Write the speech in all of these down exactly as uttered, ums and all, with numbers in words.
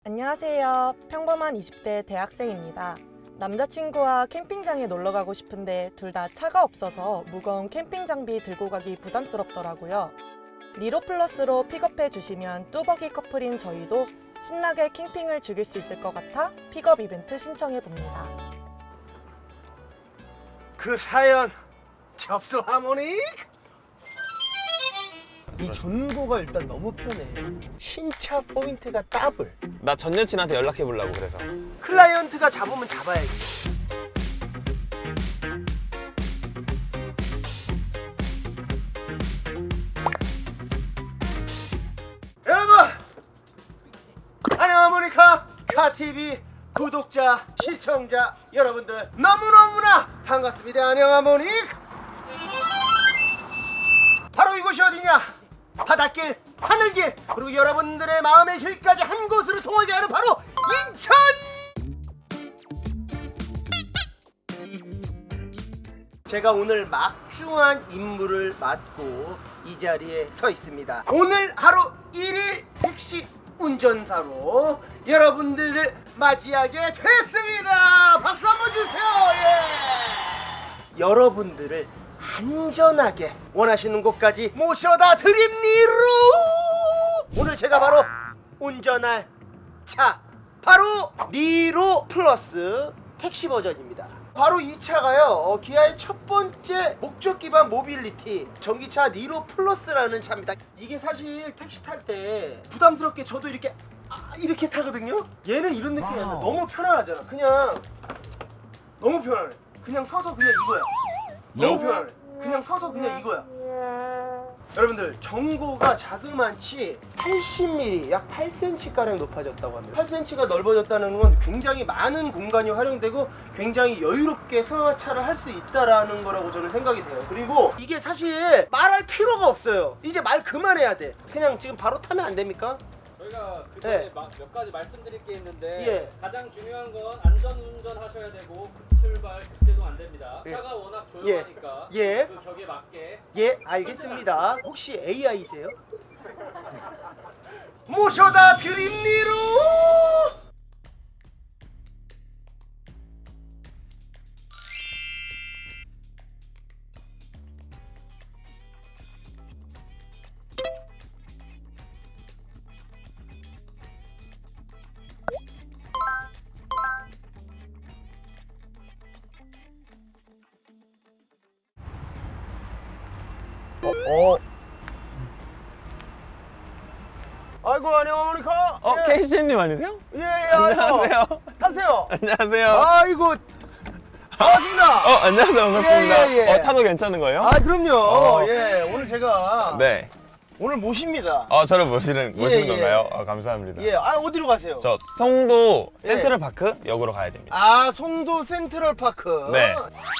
안녕하세요. 평범한 이십 대 대학생입니다. 남자친구와 캠핑장에 놀러 가고 싶은데 둘 다 차가 없어서 무거운 캠핑 장비 들고 가기 부담스럽더라고요. 니로 플러스로 픽업해 주시면 뚜벅이 커플인 저희도 신나게 캠핑을 즐길 수 있을 것 같아 픽업 이벤트 신청해 봅니다. 그 사연 접수하모니? 이 전고가 일단 너무 편해. 신차 포인트가 더블. 나 전 여친한테 연락해 보려고 그래서. 클라이언트가 잡으면 잡아야지. 여러분, 안녕 모니카 카티비 구독자 시청자 여러분들 너무너무나 반갑습니다. 안녕 모니카. 바로 이곳이 어디냐? 바닷길, 하늘길, 그리고 여러분들의 마음의 길까지 한 곳으로 통하게 하는 바로 인천! 제가 오늘 막중한 임무를 맡고 이 자리에 서 있습니다. 오늘 하루 일 일 택시 운전사로 여러분들을 맞이하게 됐습니다. 박수 한번 주세요. 예. 여러분들을 안전하게 원하시는 곳까지 모셔다 드립니다. 오늘 제가 바로 운전할 차 바로 니로 플러스 택시 버전입니다. 바로 이 차가요 어, 기아의 첫 번째 목적 기반 모빌리티 전기차 니로 플러스라는 차입니다. 이게 사실 택시 탈 때 부담스럽게 저도 이렇게 아, 이렇게 타거든요. 얘는 이런 느낌이 아니라 너무 편안하잖아. 그냥 너무 편안해. 그냥 서서 그냥 이거야. 너무 편안해. 그냥 서서 그냥 이거야. 여러분들 전고가 자그만치 팔십 밀리미터 약 팔 센티미터 가량 높아졌다고 합니다. 팔 센티미터가 넓어졌다는 건 굉장히 많은 공간이 활용되고 굉장히 여유롭게 승하차를 할 수 있다라는 거라고 저는 생각이 돼요. 그리고 이게 사실 말할 필요가 없어요. 이제 말 그만해야 돼. 그냥 지금 바로 타면 안 됩니까? 저희가 그 전에 네. 마- 몇 가지 말씀드릴 게 있는데 예. 가장 중요한 건 안전운전 하셔야 되고 급출발 급제동 안 됩니다. 예. 차가 워낙 조용하니까 예. 그 격에 맞게 예, 알겠습니다. 혹시 에이아이세요? 모셔다 드립니다. 어, 어. 아이고 안녕 모니카. 어, 예. 케이씨님 아니세요? 예, 예, 아이고. 안녕하세요. 타세요. 안녕하세요. 아이고 반갑습니다. 어, 안녕하세요. 반갑습니다. 예, 예, 예. 어, 타도 괜찮은 거예요? 아 그럼요. 어. 예, 오늘 제가 네. 오늘 모십니다. 어, 저를 모시는, 예, 모시는 예. 건가요? 아, 감사합니다. 예, 아 어디로 가세요? 저 송도 예. 센트럴파크 역으로 가야 됩니다. 아 송도 센트럴파크. 네.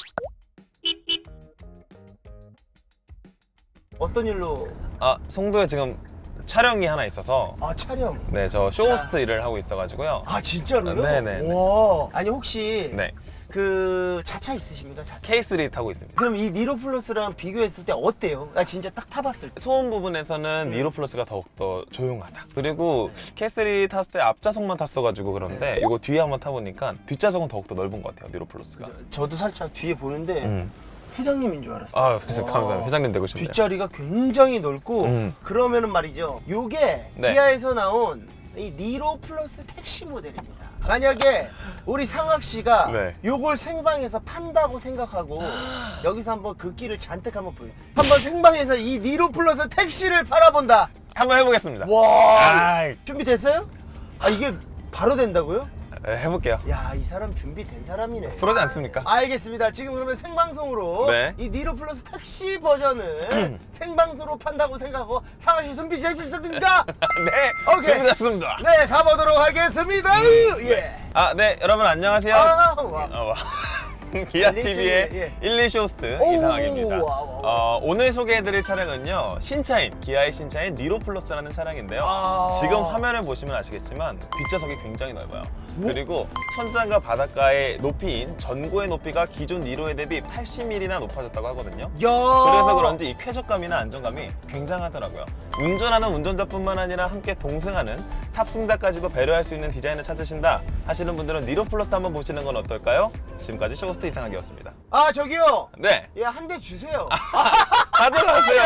어떤 일로? 아, 송도에 지금 촬영이 하나 있어서 아 촬영. 네, 저 쇼호스트 일을 하고 있어가지고요. 아 진짜로요? 네네네. 와. 아니 혹시 네. 그 자차 있으십니까? 자차. 케이 쓰리 타고 있습니다. 그럼 이 니로 플러스랑 비교했을 때 어때요? 나 진짜 딱 타봤을 때. 소음 부분에서는 니로 플러스가 더욱더 조용하다. 그리고 케이 쓰리 탔을 때 앞좌석만 탔어가지고 그런데 이거 뒤에 한번 타보니까 뒷좌석은 더욱더 넓은 것 같아요, 니로 플러스가. 저도 살짝 뒤에 보는데 음. 회장님인 줄 알았어요. 아, 그래서 와. 감사합니다. 회장님 되고 싶네요. 뒷자리가 굉장히 넓고 음. 그러면은 말이죠. 요게 네. 기아에서 나온 이 니로 플러스 택시 모델입니다. 만약에 우리 상학 씨가 네. 요걸 생방에서 판다고 생각하고 여기서 한번 그 끼를 잔뜩 한번 보여. 한번 생방에서 이 니로 플러스 택시를 팔아본다. 한번 해보겠습니다. 와. 아, 준비됐어요? 아 이게 바로 된다고요? 네, 해볼게요. 야, 이 사람 준비된 사람이네. 그러지 않습니까? 알겠습니다. 지금 그러면 생방송으로 네. 이 니로 플러스 택시 버전을 생방송으로 판다고 생각하고 상하씨 준비 되셨습니까? 네, 오케이. 준비됐습니다. 네, 가보도록 하겠습니다. 예. 아, 네, 여러분 안녕하세요. 아, 와. 어, 와. 기아티비의 예. 일, 이 쇼호스트 오, 이상학입니다. 와, 와, 와. 어, 오늘 소개해드릴 차량은요, 신차인, 기아의 신차인 니로 플러스라는 차량인데요. 아. 지금 화면을 보시면 아시겠지만 뒷좌석이 굉장히 넓어요. 그리고 천장과 바닷가의 높이인 전고의 높이가 기존 니로에 대비 팔십 밀리미터나 높아졌다고 하거든요. 야. 그래서 그런지 이 쾌적감이나 안정감이 굉장하더라고요. 운전하는 운전자뿐만 아니라 함께 동승하는 탑승자까지도 배려할 수 있는 디자인을 찾으신다 하시는 분들은 니로 플러스 한번 보시는 건 어떨까요? 지금까지 쇼호스트 이상학이었습니다. 아 저기요. 네, 예, 한 대 주세요. 가져가세요.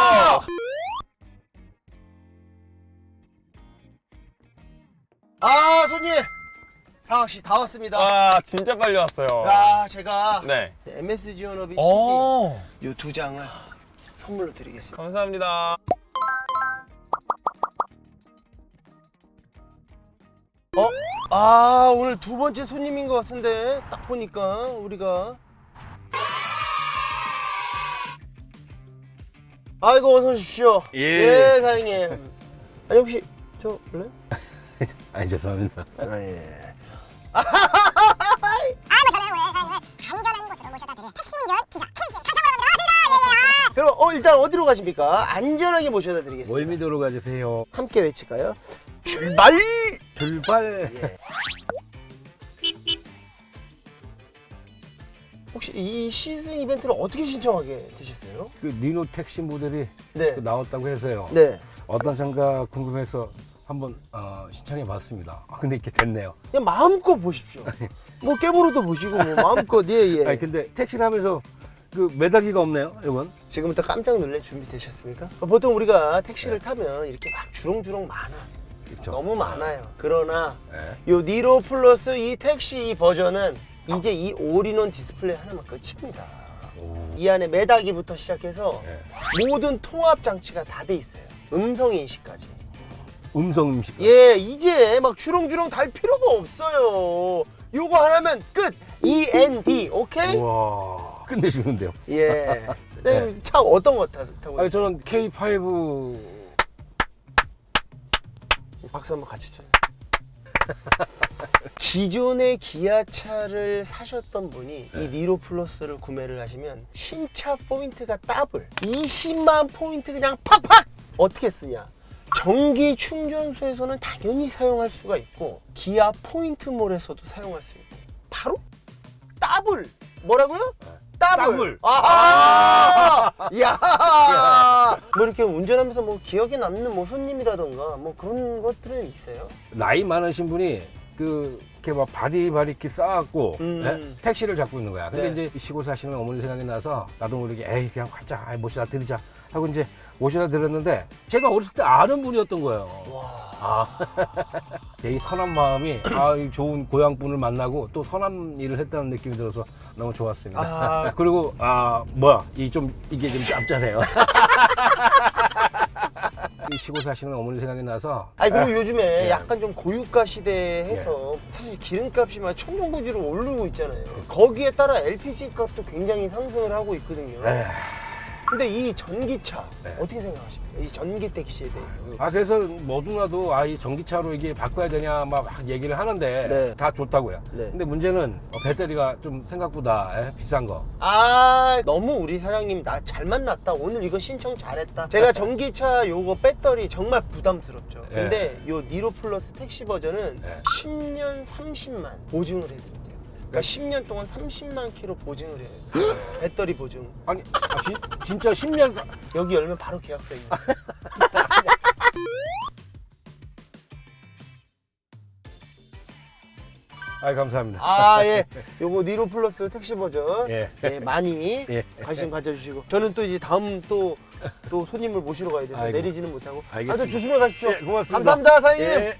아 손님. 상학 씨 다 왔습니다. 와, 진짜 빨리 왔어요. 야, 제가 네. 엠에스 지원업의 오, 시디 요 두 장을 선물로 드리겠습니다. 감사합니다. 어? 아 오늘 두 번째 손님인 것 같은데 딱 보니까 우리가 아이고 어서 오십시오. 예. 예 사장님. 아니 혹시 저 원래? 아니 죄송합니다. 아 예. 안전한 곳으로 모셔다 드릴 택시운전 기사 케이신 가상으로 나가세요. 그럼 어 일단 어디로 가십니까? 안전하게 모셔다 드리겠습니다. 월미도로 가주세요. 함께 외칠까요? 출발! 출발. 예. 혹시 이 시승 이벤트를 어떻게 신청하게 되셨어요? 그 니노 택시 모델이 네. 그 나왔다고 해서요. 네. 어떤 차인가 궁금해서 한번 어, 신청해 봤습니다. 아, 근데 이렇게 됐네요. 그냥 마음껏 보십시오. 뭐 깨보로도 보시고 뭐 마음껏 예 예. 아니 근데 택시를 하면서 그 매달기가 없네요. 이건. 지금부터 깜짝 놀랄 준비 되셨습니까? 보통 우리가 택시를 타면 이렇게 막 주렁주렁 많아. 그렇죠. 너무 많아요. 그러나 네. 요 니로 플러스 이 택시 이 버전은 이제 이 올인원 디스플레이 하나만 끝입니다. 오. 이 안에 매다기부터 시작해서 네. 모든 통합 장치가 다 돼 있어요. 음성 인식까지. 음성 음식. 예, 이제 막 주렁주렁 달 필요가 없어요. 요거 하나면 끝. 이 엔 디 오케이? 와 끝내주는데요. 예. 네. 차 어떤 거 타- 타고? 아니 저는 케이 파이브. 박수 한번 같이 쳐요. 기존의 기아차를 사셨던 분이 이 니로 플러스를 구매를 하시면 신차 포인트가 더블 이십만 포인트 그냥 팍팍! 어떻게 쓰냐? 전기 충전소에서는 당연히 사용할 수가 있고 기아 포인트몰에서도 사용할 수 있고 바로 더블! 뭐라고요? 더블! 더블. 아하! 야! 뭐 이렇게 운전하면서 뭐 기억에 남는 뭐 손님이라던가 뭐 그런 것들은 있어요? 나이 많으신 분이 그 이렇게 막 바디 바리키 쌓았고 음. 예? 택시를 잡고 있는 거야. 근데 네. 이제 시골 사시는 어머니 생각이 나서 나도 모르게 에이 그냥 가자, 아이, 모시다 드리자 하고 이제 모시다 드렸는데 제가 어렸을 때 아는 분이었던 거예요. 와. 아, 이 선한 마음이 아, 이 좋은 고향분을 만나고 또 선한 일을 했다는 느낌이 들어서 너무 좋았습니다. 아. 그리고 아 뭐야 이 좀 이게 좀 짭짤해요. 이 시골 사시는 어머니 생각이 나서 아니 그리고 요즘에 예. 약간 좀 고유가 시대에 해서 사실 기름값이 막 천정부지로 오르고 있잖아요. 거기에 따라 엘피지 값도 굉장히 상승을 하고 있거든요. 에휴. 근데 이 전기차 네. 어떻게 생각하십니까? 이 전기 택시에 대해서. 아 그래서 뭐누나도 아 이 전기차로 이게 바꿔야 되냐 막 얘기를 하는데 네. 다 좋다고요. 네. 근데 문제는 배터리가 좀 생각보다 에, 비싼 거. 아 너무 우리 사장님 나 잘 만났다. 오늘 이거 신청 잘했다. 제가 전기차 요거 배터리 정말 부담스럽죠. 네. 근데 요 니로 플러스 택시 버전은 네. 십 년 삼십만 보증을 해드린대요. 그러니까 십 년 동안 삼십만 킬로 보증을 해요. 배터리 보증. 아니 아, 지, 진짜 십 년 사... 여기 열면 바로 계약서입니다. 아 감사합니다. 아, 예. 요거 니로 플러스 택시 버전. 예. 예, 많이 예. 관심 가져주시고. 저는 또 이제 다음 또, 또 손님을 모시러 가야 돼서 아이고. 내리지는 못하고. 알겠습니다. 아주 조심해 가십시오. 예, 고맙습니다. 감사합니다, 사장님. 예.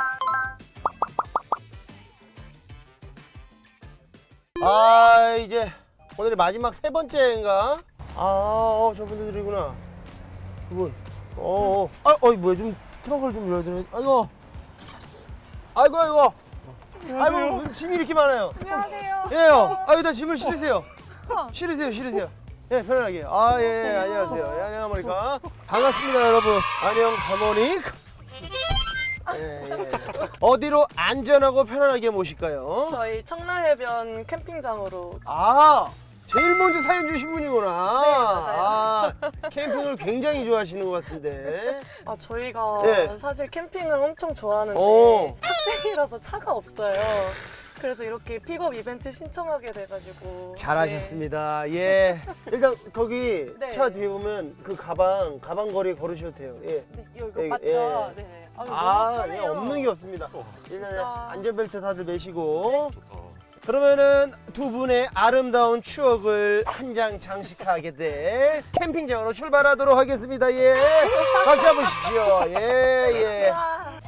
아, 이제 오늘의 마지막 세 번째인가? 아, 어, 저분들이구나. 그분. 어, 어. 아, 어이, 뭐야. 좀 트렁크를 좀 열어야 되네. 아이고. 아이고, 아이고. 아이고, 무슨 짐이 이렇게 많아요. 안녕하세요. 예요. 아, 여기다 짐을 실으세요. 실으세요, 실으세요. 예, 편안하게. 아, 예, 안녕하세요. 예, 안녕, 하모니카. 반갑습니다, 여러분. 안녕, 하모니카. 예, 예. 어디로 안전하고 편안하게 모실까요? 저희 청라해변 캠핑장으로. 아, 제일 먼저 사연 주신 분이구나. 맞아요. 아, 캠핑을 굉장히 좋아하시는 것 같은데. 아 저희가 네. 사실 캠핑을 엄청 좋아하는데 오. 학생이라서 차가 없어요. 그래서 이렇게 픽업 이벤트 신청하게 돼가지고. 잘하셨습니다. 예. 일단 거기 네. 차 뒤에 보면 그 가방, 가방 거리에 걸으셔도 돼요. 예. 네, 네, 이거 예, 맞죠? 예. 네. 아, 아, 너무 예, 편해요. 없는 게 없습니다. 일단 진짜. 안전벨트 다들 매시고. 그러면은 두 분의 아름다운 추억을 한 장 장식하게 될 캠핑장으로 출발하도록 하겠습니다. 예. 박수 한번 주십시오. 예, 예. 와.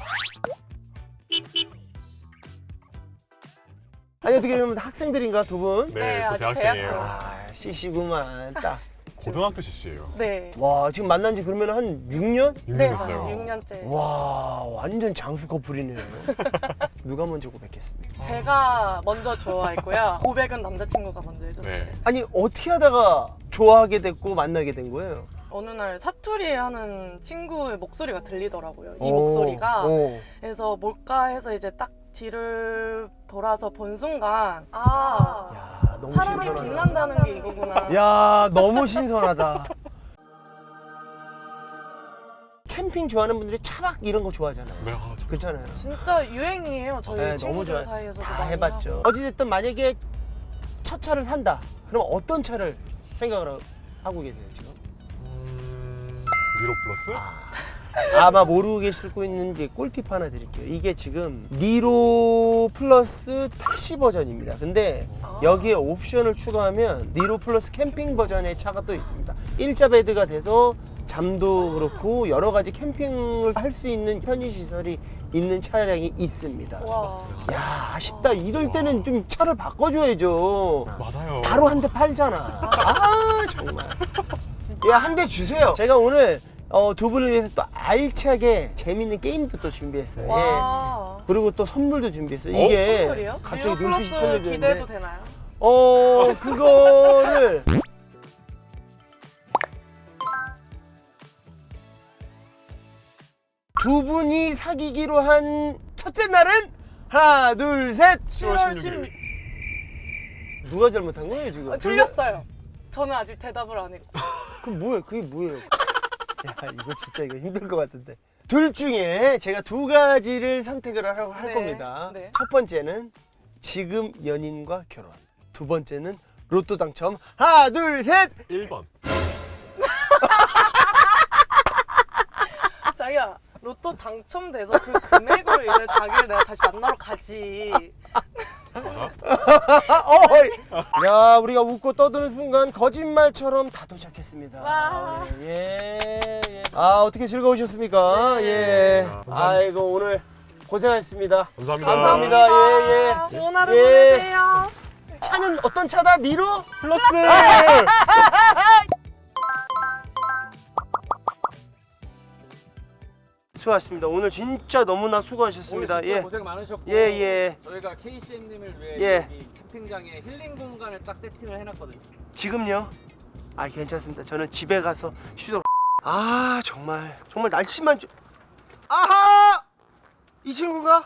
아니 어떻게 그러면 학생들인가 두 분? 네, 네, 또 아직 대학생이에요. 대학생. 아, 씨씨구만. 딱. 고등학교 씨씨예요. 네. 와, 지금 만난 지 그러면 한 육 년? 육 년 네, 됐어요. 육 년째. 와, 완전 장수 커플이네요. 누가 먼저 고백했습니까? 제가 먼저 좋아했고요. 고백은 남자친구가 먼저 해줬어요. 네. 아니, 어떻게 하다가 좋아하게 됐고 만나게 된 거예요? 어느 날 사투리 하는 친구의 목소리가 들리더라고요. 이 오, 목소리가. 오. 그래서 뭘까 해서 이제 딱 뒤를 돌아서 본 순간 아 야, 너무 사람이 신선하다. 빛난다는 게 이거구나. 야, 너무 신선하다. 캠핑 좋아하는 분들이 차박 이런 거 좋아하잖아요. 네, 아, 저... 그렇잖아요. 진짜 유행이에요. 저희 네, 너무 친구들 좋아요. 사이에서도 다 많이 해봤죠. 하고. 어찌됐든 만약에 첫 차를 산다. 그럼 어떤 차를 생각을 하고 계세요 지금? 음... 니로 플러스? 아마 모르고 계실 거 있는 게 꿀팁 하나 드릴게요. 이게 지금 니로 플러스 택시 버전입니다. 근데 아. 여기에 옵션을 추가하면 니로 플러스 캠핑 버전의 차가 또 있습니다. 일자 베드가 돼서 잠도 그렇고 여러 가지 캠핑을 할 수 있는 편의 시설이 있는 차량이 있습니다. 와. 야, 아쉽다. 이럴 때는 좀 차를 바꿔줘야죠. 맞아요. 바로 한 대 팔잖아. 아, 정말. 야, 한 대 주세요. 제가 오늘 어, 두 분을 위해서 또 알차게 재밌는 게임도 또 준비했어요. 예. 와. 그리고 또 선물도 준비했어요. 어? 이게 선물이요? 갑자기 뉴 눈빛이 플러스 떨려지는데. 기대해도 되나요? 어, 그거를 두 분이 사귀기로 한 첫째 날은 하나, 둘, 셋. 시월 십육 일. 누가 잘못한 거예요 지금? 아, 틀렸어요. 저는 아직 대답을 안 했고. 그럼 뭐예요? 그게 뭐예요? 야, 이거 진짜 이거 힘들 것 같은데. 둘 중에 제가 두 가지를 선택을 하라고 할 네, 겁니다. 네. 첫 번째는 지금 연인과 결혼. 두 번째는 로또 당첨. 하나, 둘, 셋. 일 번. 자기야 로또 당첨돼서 그 금액으로 이제 자기를 내가 다시 만나러 가지. 맞아? 아, 어, 야, 우리가 웃고 떠드는 순간 거짓말처럼 다 도착했습니다. 와. 예, 예. 아, 어떻게 즐거우셨습니까? 네. 예. 감사합니다. 아이고, 오늘 고생하셨습니다. 감사합니다. 감사합니다. 예, 예. 좋은 하루 예. 보내세요. 차는 어떤 차다? 니로? 플러스! 수고하셨습니다. 오늘 진짜 너무나 수고하셨습니다. 오늘 진짜 예. 고생 많으셨고 예, 예. 저희가 케이씨엠님을 위해 예. 여기 캠핑장에 힐링 공간을 딱 세팅을 해놨거든요. 지금요? 아, 괜찮습니다. 저는 집에 가서 쉬도록. 아, 정말 정말 날씨만 좀. 아하! 이 친구가?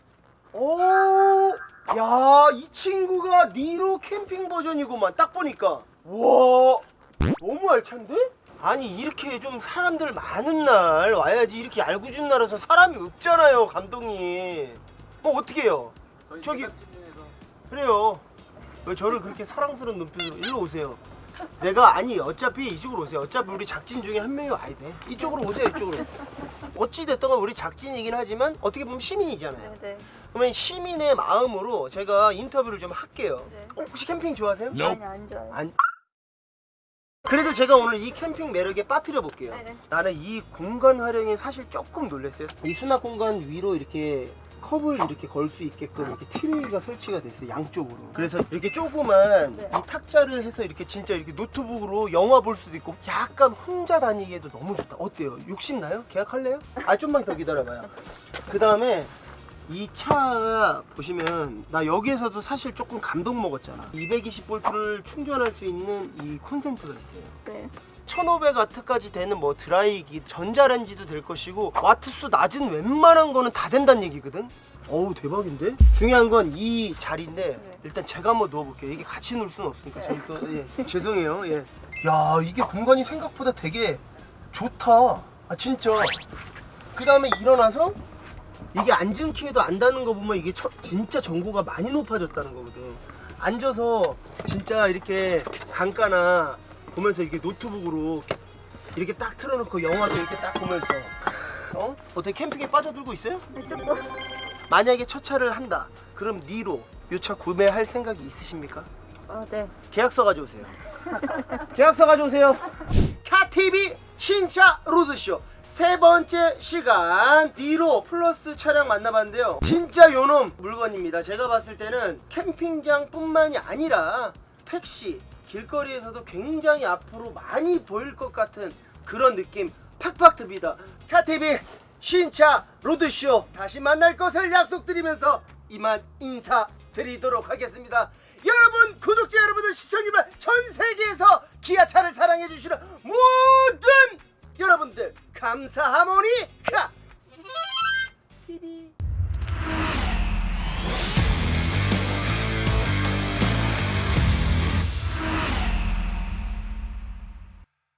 오! 야, 이 친구가 니로 캠핑 버전이구만. 딱 보니까. 와, 너무 알찬데? 아니, 이렇게 좀 사람들 많은 날 와야지. 이렇게 알구준 날에서 사람이 없잖아요, 감독님. 뭐 어떻게 해요? 저희 저기- 제작진 중에서 그래요. 왜 저를 그렇게 사랑스러운 눈빛으로 일로 오세요. 내가 아니 어차피 이쪽으로 오세요. 어차피 우리 작진 중에 한 명이 와야 돼. 이쪽으로 오세요. 이쪽으로. 어찌 됐든 우리 작진이긴 하지만 어떻게 보면 시민이잖아요. 네. 그러면 시민의 마음으로 제가 인터뷰를 좀 할게요. 네. 어, 혹시 캠핑 좋아하세요? 아니 안 좋아요. 안. 그래도 제가 오늘 이 캠핑 매력에 빠뜨려 볼게요. 네네. 나는 이 공간 활용에 사실 조금 놀랐어요. 이 수납 공간 위로 이렇게 컵을 이렇게 걸 수 있게끔 이렇게 트레이가 설치가 됐어요, 양쪽으로. 그래서 이렇게 조그만 네. 이 탁자를 해서 이렇게 진짜 이렇게 노트북으로 영화 볼 수도 있고 약간 혼자 다니기에도 너무 좋다. 어때요? 욕심나요? 계약할래요? 아, 좀만 더 기다려봐요. 그 다음에 이 차 보시면 나 여기에서도 사실 조금 감동 먹었잖아. 이백이십 볼트를 충전할 수 있는 이 콘센트가 있어요. 네. 천오백 와트까지 되는 뭐 드라이기, 전자레인지도 될 것이고 와트수 낮은 웬만한 거는 다 된다는 얘기거든. 어우 대박인데? 중요한 건 이 자리인데 일단 제가 한번 누워볼게요. 이게 같이 누울 수는 없으니까 저희 또 예. 죄송해요. 예. 야 이게 공간이 생각보다 되게 좋다. 아 진짜. 그 다음에 일어나서 이게 앉은 키에도 안다는 거 보면 이게 처, 진짜 전고가 많이 높아졌다는 거거든. 앉아서 진짜 이렇게 강가나 보면서 이렇게 노트북으로 이렇게 딱 틀어놓고 영화도 이렇게 딱 보면서 어? 어떻게 캠핑에 빠져들고 있어요? 만약에 첫 차를 한다. 그럼 니로 이 차 구매할 생각이 있으십니까? 어, 네. 계약서 가져오세요. 계약서 가져오세요. 카티비 신차 로드쇼 세 번째 시간 니로 플러스 차량 만나봤는데요. 진짜 요놈 물건입니다. 제가 봤을 때는 캠핑장 뿐만이 아니라 택시, 길거리에서도 굉장히 앞으로 많이 보일 것 같은 그런 느낌 팍팍 듭니다. 카티비 신차 로드쇼 다시 만날 것을 약속드리면서 이만 인사드리도록 하겠습니다. 여러분 구독자 여러분들 시청자 여러분 전 세계에서 기아차를 사랑해 주시는 모든 여러분들 감사하모니카 티비